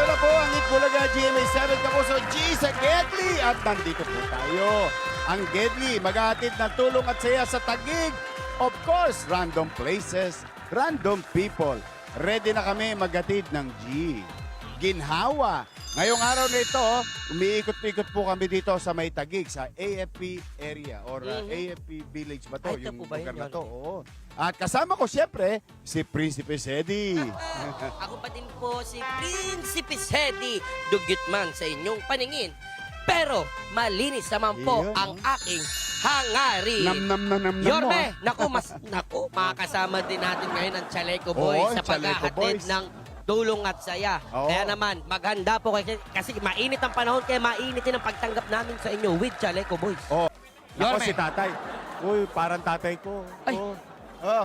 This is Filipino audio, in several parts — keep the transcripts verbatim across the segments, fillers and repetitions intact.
Ito na po ang Itbulaga G M A seven Kapuso G sa Gedli. At nandito po tayo. Ang Gedli, maghahatid ng tulong at saya sa Taguig. Of course, random places, random people. Ready na kami maghatid ng G. Ginhawa. Ngayong araw na ito, umiikot-ikot po kami dito sa may Taguig, sa A F P area or uh, Mhm. A F P village ba to? Ay, ito Yung po ba lugar yun, na to. Yorme? Oo. At kasama ko siyempre, si Prinsipe Sedi. Ako pa din po si Prinsipe Sedi, dugyot man sa inyong paningin. Pero malinis naman po Iyon, ang oh. aking hangarin. Nam nam nam nam nam mo. Yorme, ah. naku, mas, naku, makakasama din natin ngayon ang Chaleco Oo, Boys Chaleco sa paghahatid Boys. ng tulong at saya. Oo. Kaya naman, maghanda po kayo kasi mainit ang panahon kaya mainit din ang pagtanggap namin sa inyo with Chaleco Boys. Oh. Ako Yorme. si tatay. Uy, parang tatay ko. Ay. Oh. Oh.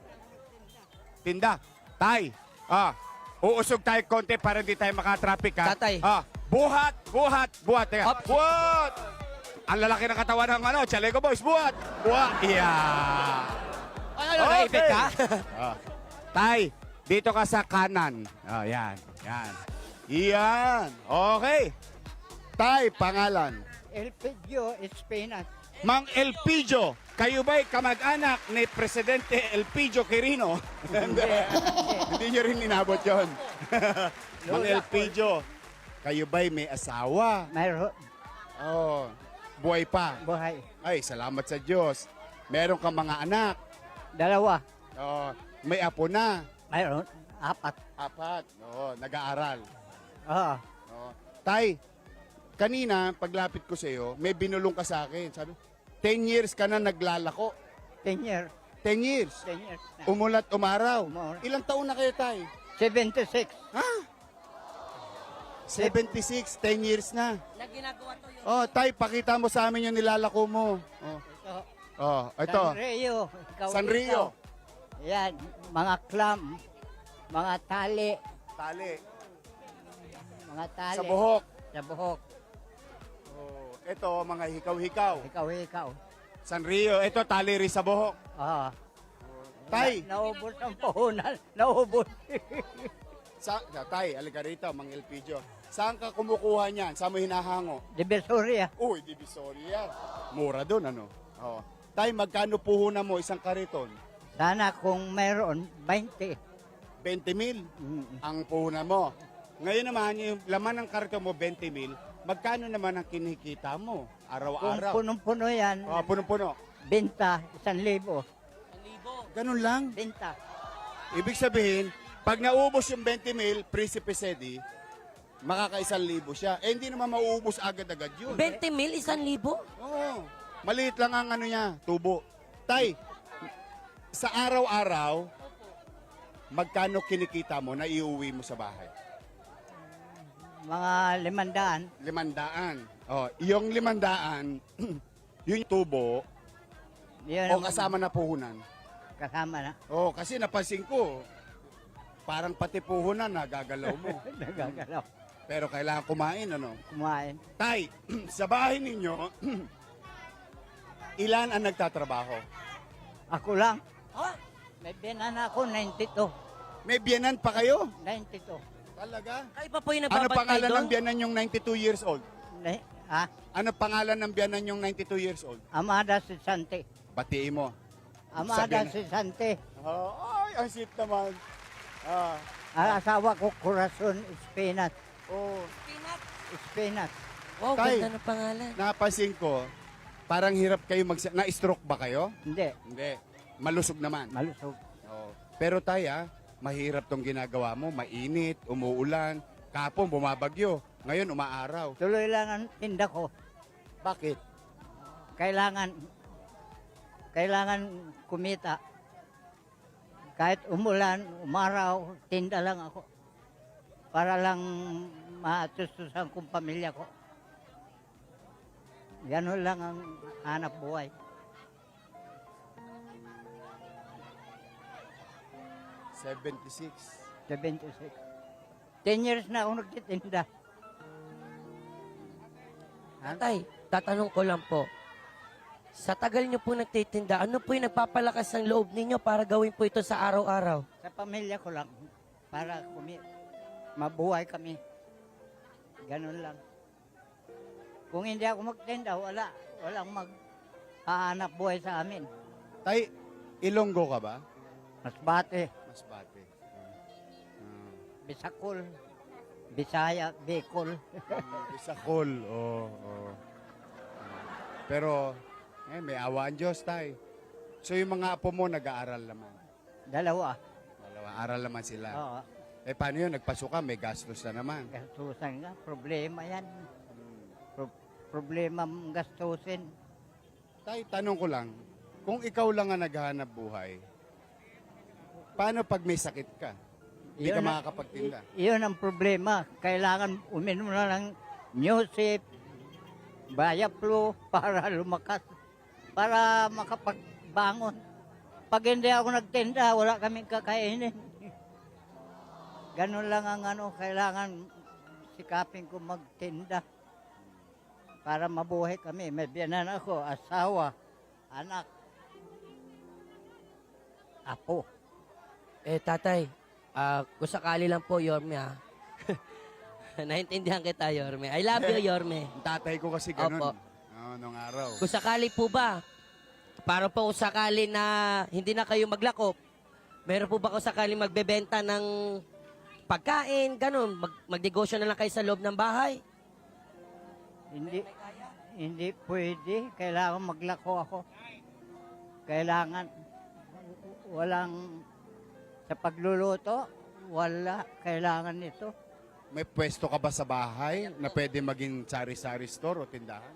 Tinda. Tay. Ah. Uusog tayo konti para hindi tayo makatraffic ha. Tatay. Ah. Buhat, buhat, buhat. Teka. Hop. Buhat. Ang lalaki ng katawan ng ano, Chaleco Boys. Buhat. Buhat. Yeah. Ano, naipit ka? Ah. Tay, dito ka sa kanan. Oh, yan. Yan. Yan. Okay. Tay, pangalan. Elpidio Espinas. Mang Elpidio, kayo ba'y kamag-anak ni Presidente Elpidio Quirino? Hindi. Hindi nyo rin inabot yun. Mang Elpidio, kayo ba'y may asawa? Mayroon Oh, buhay pa. buhay. Ay, salamat sa Diyos. Meron kang mga anak. Dalawa. Oh, may apo na. Mayroon apat. Apat. Oo, nag-aaral. Oo. Oo. Tay, kanina, paglapit ko sa iyo, may binulong ka sa akin. Sabi, ten years ka na naglalako. Ten years. ten years. Ten years na. Umulat, umaraw. Umulat. Ilang taon na kayo, tay? seventy-six. Ha? seventy-six, ten years na. Na ginagawa to yun. Oh, tay, pakita mo sa amin yung nilalako mo. Oh, Ito. oh ito. San Rio. Ikaw, Sanrio. ikaw. Yan. Mga clam. Mga tali. Tali. Mga tali. Sa buhok. Sa buhok. Oh, ito, mga hikaw-hikaw. Ikaw, ikaw. Sanrio. Ito, tali rin sa buhok. Oo. Tay, Na, naubos ang puhunan. Naubos. sa, sa tay, alika rito, Mang Elpidio. Saan ka kumukuha niyan? Saan mo hinahango? Divisoria. Uy, Divisoria. Mura doon, ano? Oh. Tay, magkano puhunan mo isang kariton? Sana kung mayroon, twenty. twenty mil Mm. ang puhunan mo. Ngayon naman, yung laman ng kariton mo, twenty mil. Magkano naman ang kinikita mo? Kung Araw-araw. punong-puno yan, Oh, punong-puno. benta, isang libo. Ganun lang. Benta. Ibig sabihin, pag naubos yung twenty mil, Prinsipe Sedi, makakaisang libo siya. Eh, hindi naman mauubos agad-agad yun. twenty mil, isang libo? Oo. Maliit lang ang ano niya, tubo. Tay, sa araw-araw, magkano kinikita mo na iuwi mo sa bahay? Mga limandaan. Limandaan. Oh, yung limandaan, yung tubo, Yun o kasama na puhunan. kasama na. Oh, kasi napansin ko, parang pati puhunan na gagalaw mo. Nagagalaw. Pero kailangan kumain, ano? Kumain. Tay, sa bahay ninyo, ilan ang nagtatrabaho? Ako lang. Ha? May binan ako, ninety-two. May biyanan pa kayo? ninety-two. Talaga? Kayo pa po yung Ano nagbabantay pangalan doon? ng biyanan yung ninety-two years old? Ni- ah, Ano pangalan ng biyanan yung ninety-two years old? Amada si Sante. Batiin mo. Amada Sabi si Sante. Oh, ay, ang sweet naman. Ah, Ang asawa ko, Corazon Espinas. oh. Peanut. Espinas. Wow, Tay. ganda ng pangalan. Napansin ko, parang hirap kayo mag... Na-stroke ba kayo? Hindi. Hindi. Malusog naman. Malusog. Oh. Pero taya, mahirap tong ginagawa mo. Mainit, umuulan, kapon, bumabagyo. Ngayon, umaaraw. Tuloy lang ang tinda ko. Bakit? Kailangan, kailangan kumita. Kahit umulan, umaraw, tinda lang ako. Para lang matustusan kong pamilya ko. Ganun lang ang hanap buhay. seventy-six. seventy-six. Ten years na ako nagtitinda. Tay, tatanong ko lang po. Sa tagal niyo po nagtitinda, ano po yung nagpapalakas ng loob ninyo para gawin po ito sa araw-araw? Sa pamilya ko lang. Para kumi mabuhay kami. Ganun lang. Kung hindi ako magtinda, wala. Walang maghahanap buhay sa amin. Tay, Ilonggo ka ba? Masbate, Masbate. Ah. Bisakol, Bisaya, Bicol. Bisakol, oo. oo. Pero, eh, may awa ang Diyos, tay. So, yung mga apo mo, nag-aaral naman. Dalawa. Dalawa, aral naman sila. Oo. Eh, paano yun? Nagpasuka, may gastos na naman. Gastusan nga. Problema yan. Pro- problema ang gastusin. Tay, tanong ko lang, kung ikaw lang ang naghahanap buhay, paano pag may sakit ka? Hindi ka Yun ang- makakapagtinda. i- Yun ang problema. Kailangan uminom na ng Newsip, Bayaplo para lumakas. Para makapagbangon. Pag hindi ako nagtinda, wala kaming kakainin. Ganun lang ang ano, kailangan sikapin ko magtinda. Para mabuhay kami. May biyanan ako, asawa, anak, apo. Eh, tatay, ah, kung sakali lang po, Yorme, ha? Naintindihan kita, Yorme. I love you, Yorme. Ang tatay ko kasi ganun. Opo. Oo, nung araw. Kung sakali po ba, para po kung sakali na hindi na kayo maglakop, meron po ba kung sakali magbebenta ng pagkain, ganun, mag magnegosyo na lang kayo sa loob ng bahay? Hindi, hindi pwede. Kailangan maglako ako. Kailangan, walang, sa pagluluto, wala. Kailangan nito. May pwesto ka ba sa bahay na pwede maging sari-sari store o tindahan?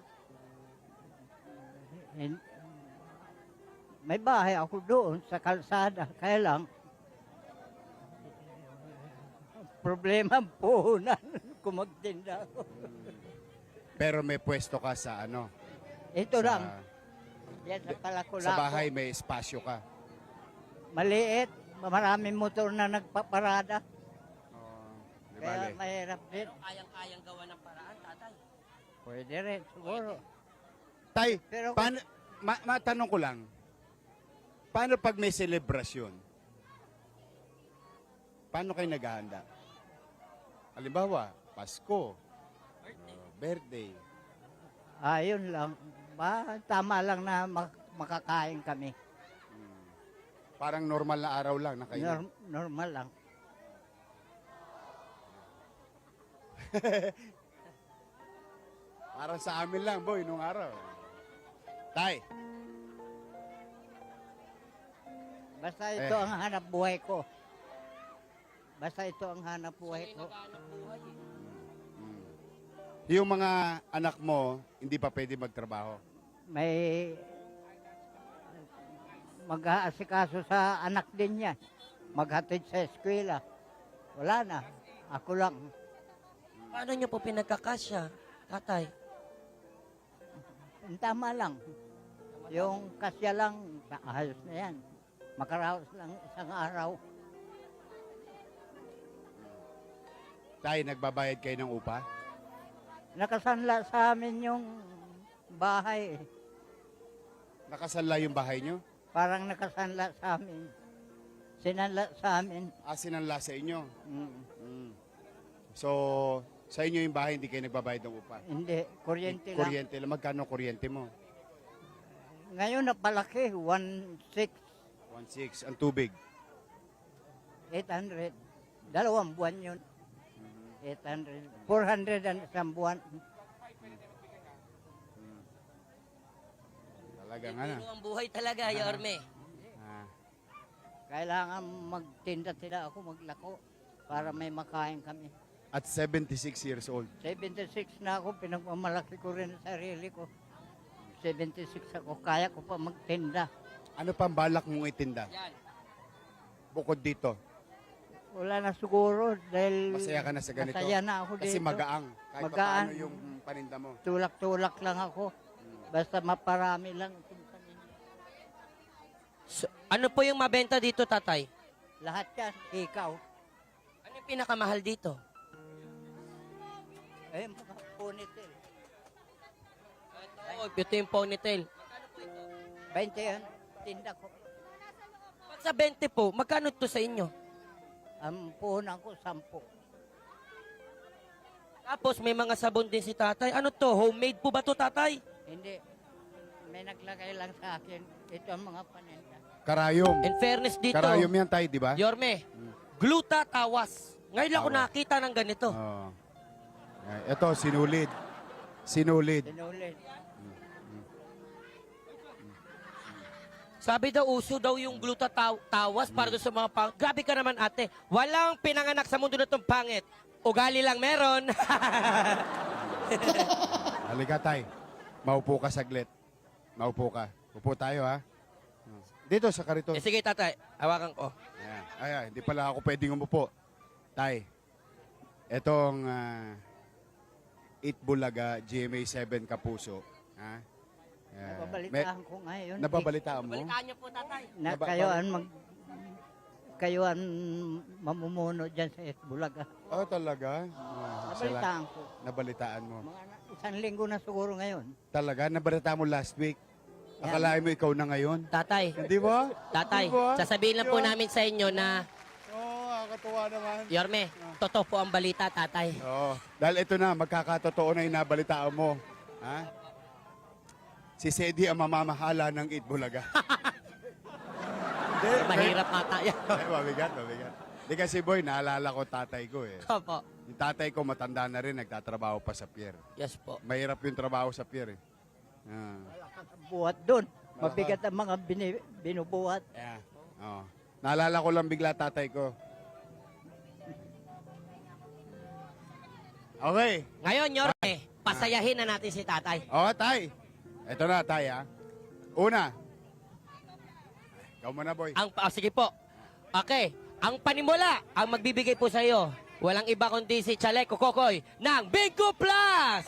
Hin- May bahay ako doon sa kalsada. Kaya lang, problema ang puhunan kung magtinda ako. Pero may pwesto ka sa ano? Ito sa, lang, yan sa Palakulako. Sa bahay may espasyo ka. Maliit, maraming motor na nagpaparada. Oh, di Kaya bale. mahirap din. Kayang-kayang gawa ng paraan, tatay. Pwede rin, siguro. Tay, Pero kung- paano, ma matanong ko lang, paano pag may selebrasyon? Paano kayo naghahanda? Halimbawa, Pasko, uh, birthday. Ayun lang. Ba, tama lang na mak- makakain kami. Hmm. Parang normal na araw lang na kayo. Norm- normal lang. Parang sa amin lang, boy, nung araw. Tay, Basta ito Eh. ang hanap buhay ko. Basta ito ang hanap buhay ko. mm, yung mga anak mo, hindi pa pwede magtrabaho. May mag-aasikaso sa anak din niya. Maghatid sa eskwela. Wala na. Ako lang. Paano nyo po pinagkakasya, tatay? Tama lang. Yung kasya lang, ayos na yan. Makaraos lang isang araw. Tay, nagbabayad kayo ng upa? Nakasanla sa amin yung bahay. Nakasanla yung bahay nyo? Parang nakasanla sa amin. Sinanla sa amin. Ah, sinanla sa inyo. Mm, Mm. So, sa inyo yung bahay, hindi kayo nagbabayad ng upa? hindi, kuryente lang. Kuryente lang. Magkano kuryente mo? Ngayon napalaki, one six, one point six. Ang tubig? eight hundred. Dalawang buwan yun. eight hundred. four hundred ang isang buwan. Talagang ano. Biro ang buhay talaga, Yorme. Ah. Kailangan magtinda-tinda ako, maglako para may makain kami. At seventy-six years old. seventy-six na ako, pinagmamalaki ko rin ang sarili ko. seventy-six ako, kaya ko pa magtinda. Ano pang balak mong itinda? Yan. Bukod dito. Wala na siguro dahil Masaya ka na sa ganito? masaya na ako Kasi dito. magaang. Kahit Magaan. paano yung paninda mo. Tulak-tulak lang ako. Basta maparami lang itong paninda. So, ano po yung mabenta dito, tatay? Lahat yan, ikaw. Ano yung pinakamahal dito? Eh, mga punitil. Oh, ito yung ponytail. twenty yan, tinda ko. Pag sa twenty po, magkano to sa inyo? Ang puhunan ko, sampu. Tapos may mga sabon din si tatay. Ano to? Homemade po ba to, tatay? Hindi. May naglagay lang sa akin. Ito ang mga paninda. Karayom. In fairness dito, Karayom yan tayo, di ba? Yorme, gluta tawas. Ngayon lang ako Tawas. nakita ng ganito. Oo. Ay, ito, sinulid. Sinulid. Sinulit. Sabi daw, uso daw yung gluta taw- tawas para doon sa mga pang... Grabe ka naman, ate. Walang pinanganak sa mundo na itong pangit. Ugali lang meron. Halika, tay. Maupo ka saglit. Maupo ka. Upo tayo, ha? Dito sa kariton. eh, sige, tatay. Hawakan ko. Ayan. Ayan, hindi pala ako pwedeng umupo. Tay, etong ah, Eat Bulaga G M A seven Kapuso. Ha? Ah, Nababalitaan ko ngayon. may- Nababalitaan mo? Balikaan niyo po, tatay. Na Naba- kayo ang mag... Kayo ang mamumuno dyan sa Esbulaga. Oh, talaga? Ah, sala- Nabalitaan ko. Nabalitaan mo. Mga na- isang linggo na siguro ngayon. Talaga? Nabalitaan mo last week? Akalain mo ikaw na ngayon? Tatay, Hindi ba? tatay, Di ba? sasabihin lang po Yun. namin sa inyo na, Oo, oh, nakakatuwa naman. Yorme, totoo po ang balita, tatay. Oo. Dahil ito na, magkakatotoo na inabalitaan mo. Ha? Si Sedi ang mamamahala ng Eat Bulaga. Hindi. Mahirap nga tayo. Ay, mabigat, mabigat. Hindi kasi boy, naalala ko tatay ko eh. Opo. Yung tatay ko matanda na rin, nagtatrabaho pa sa pier. Yes po. Mahirap yung trabaho sa pier eh. Ah. Buhat doon. Mabigat ang mga bini, binubuhat. Yeah. Oo. Naalala ko lang bigla tatay ko. Okay. Ngayon, Yorme, pasayahin na natin si tatay. Oo, tay. Ito na, tay, ha. Una. Ikaw muna, boy. Ang, ah, sige po. Okay. Ang panimula, ang magbibigay po sa iyo, walang iba kundi si Chaleco Kokoy ng Bingo Plus!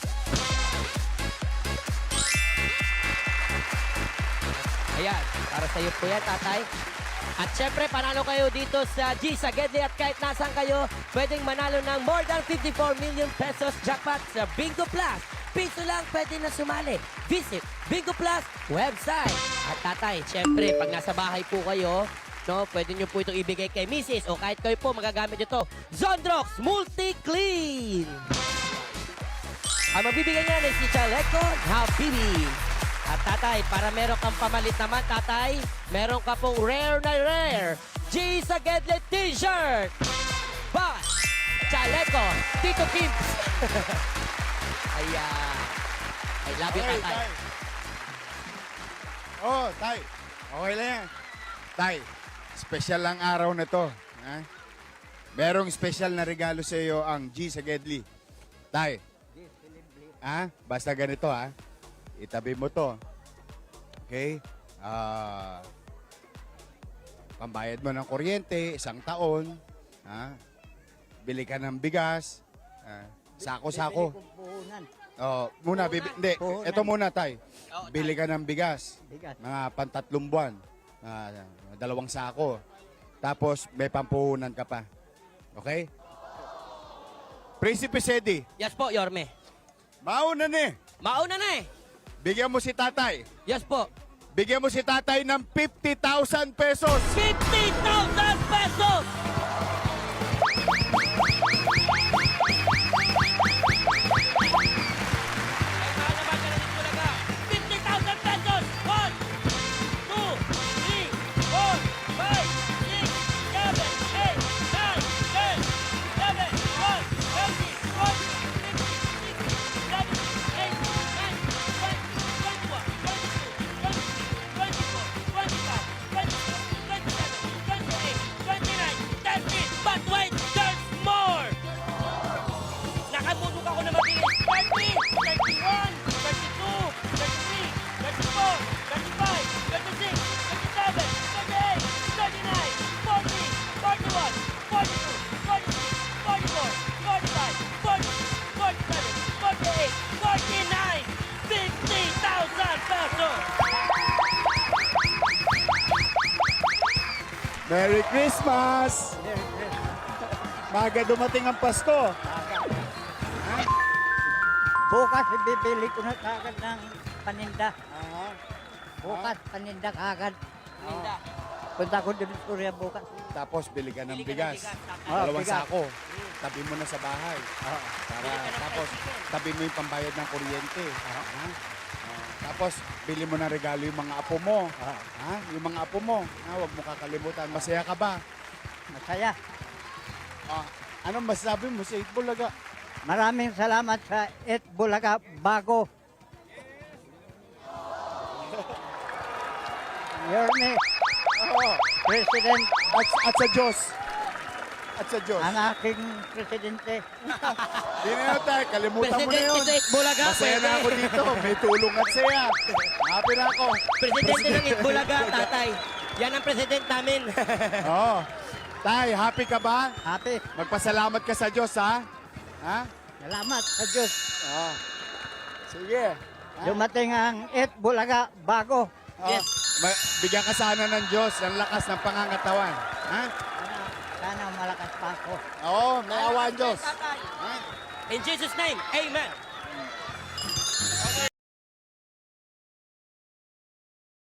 Ayan, para sa iyo po yan, tatay. At syempre, panalo kayo dito sa G sa Gedli at kahit nasan kayo, pwedeng manalo ng more than fifty-four million pesos jackpot sa Bingo Plus. Piso lang pwede na sumali. Visit Bingo Plus website. At tatay, syempre, pag nasa bahay po kayo, no, pwede nyo po itong ibigay kay Missus o kahit kayo po magagamit ito. Zondrox Multi-Clean. Ang magbibigay niyan ay si Chaleco Habibi. At tatay, para meron kang pamalit naman, tatay, meron ka pong rare na rare G sa Gedli t-shirt. But, Chaleco, Tito Kimps. Ayan. I love you, Okay, tatay. tay. Oh, tay. Okay lang yan. Tay, special lang araw na to. Ha? Merong special na regalo sa iyo ang G sa Gedli. Tay. Ha? Basta ganito, ha? Itabi mo to. Okay? Ah... pambayad mo ng kuryente, isang taon. Ha? Bili ka ng bigas. Ah, sako-sako. Bibili kong puhunan. Oh, muna, bibi, hindi. Puhunan. Ito muna, tay. Oo, Bili ka ng bigas. Bigas. Mga pantatlong buwan. Ah, dalawang sako. Tapos, may pampuhunan ka pa. Okay? Prinsipe Sedi, Yes po, Yorme. mauna na eh. Mauna na eh. Bigyan mo si tatay. Yes po. Bigyan mo si tatay ng fifty thousand pesos. fifty thousand pesos! fifty thousand pesos! one, two, three, four, five, six, seven, eight, nine, ten, eleven, twelve, thirteen, fourteen, fifteen, sixteen, seventeen, eighteen, nineteen, twenty, twenty-one, twenty-two, twenty-three, twenty-four, twenty-five, twenty-six, twenty-seven, twenty-eight, twenty-nine, thirty. But wait, there's more! Nakabulog ako na mabilis. thirty, thirty-one, thirty-two, thirty-three, thirty-four, thirty-five, thirty-six, thirty-seven, thirty-eight, thirty-nine, forty, forty-one, forty-two, forty-three, forty-four, forty-five, forty-six, forty-seven, forty-eight, forty-nine, fifty thousand pesos! Merry Christmas! Maga dumating ang Pasko. Bukas bibili ko na kagad ng paninda. Ah, Bukas paninda kagad. Linda. Punta ko din sa Korea bukas. Tapos bili ka ng Bili ka ng bigas. bigas, tapos- Ah, Dalawang bigas. sako. Tabi mo na sa bahay. Oo. Para, Bili ka ng tapos, tricycle. tabi mo yung pambayad ng kuryente. Ha? Ah, tapos, bili mo ng regalo yung mga apo mo. Oo. Ha? Yung mga apo mo. Ha? Huwag mo kakalimutan. Masaya ka ba? Masaya. Ah, anong masasabi mo sa Eat Bulaga? Maraming salamat sa Eat Bulaga Bago. Your name, Oo. President, At, at sa Diyos. At sa Diyos. ang aking presidente. Di na yun tayo. Kalimutan mo na Presidente yun. sa Itbulaga. Masaya na pwede. ako dito. May tulong at saya. Happy na ako. Presidente ng Itbulaga, tatay. Yan ang president namin. Oo. Tay, happy ka ba? Happy. Magpasalamat ka sa Diyos, ha? Ha? Salamat sa Diyos. Oo. Sige. Ha? Dumating ang Eat Bulaga Bago. Oo. Yes. Ma- bigyan ka sana ng Diyos ng lakas ng pangangatawan. Ha? Sana, sana malakas pa ako. Oo, may awa ang Diyos. Ha? In Jesus' name, amen.